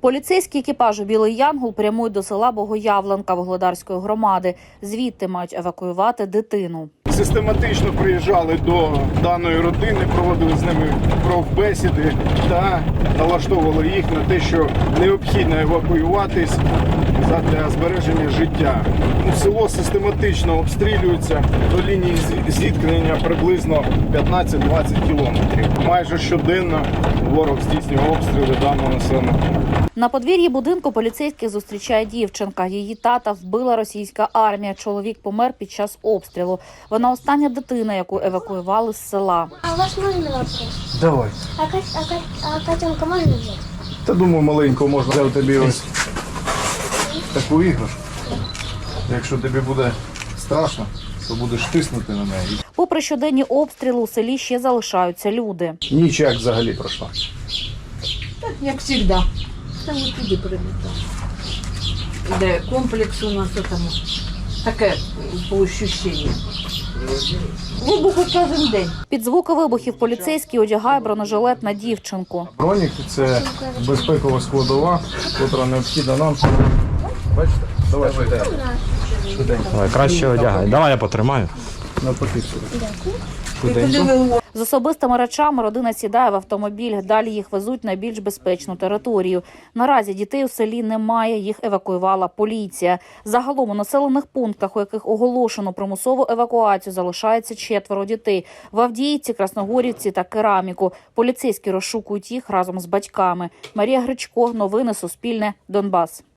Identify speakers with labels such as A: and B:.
A: Поліцейські екіпажу «Білий Янгол» прямують до села Богоявленка Вугледарської громади. Звідти мають евакуювати дитину.
B: Систематично приїжджали до даної родини, проводили з ними профбесіди та налаштовували їх на те, що необхідно евакуюватись для збереження життя. Село систематично обстрілюється, до лінії зіткнення приблизно 15-20 кілометрів. Майже щоденно ворог здійснює обстріли даного населеного пункту.
A: На подвір'ї будинку поліцейських зустрічає дівчинка. Її тата вбила російська армія. Чоловік помер під час обстрілу. Вона остання дитина, яку евакуювали з села.
C: А у вас можна вопрос?
B: Давай.
C: А котенка можна взяти?
B: Та думаю, маленько можна взяти тобі ось таку іграшку. Якщо тобі буде страшно, то будеш тиснути на неї.
A: Попри щоденні обстріли, у селі ще залишаються люди.
B: Ніч як взагалі пройшла?
D: Так, як завжди. Там і туди прилітав. Де комплекс у нас там таке по ощущенню. Вибухи кожен день.
A: Під звуки вибухів поліцейський одягає бронежилет на дівчинку.
B: Бронік – це безпекова складова, яка необхідна нам. Бачите? Давай швиденько.
E: Давай, краще одягай. Давай я потримаю.
B: Навпаки сюди.
A: З особистими речами родина сідає в автомобіль. Далі їх везуть на більш безпечну територію. Наразі дітей у селі немає, їх евакуювала поліція. Загалом у населених пунктах, у яких оголошено примусову евакуацію, залишається 4 дітей. В Авдіївці, Красногорівці та Кераміку. Поліцейські розшукують їх разом з батьками. Марія Гречко, новини Суспільне, Донбас.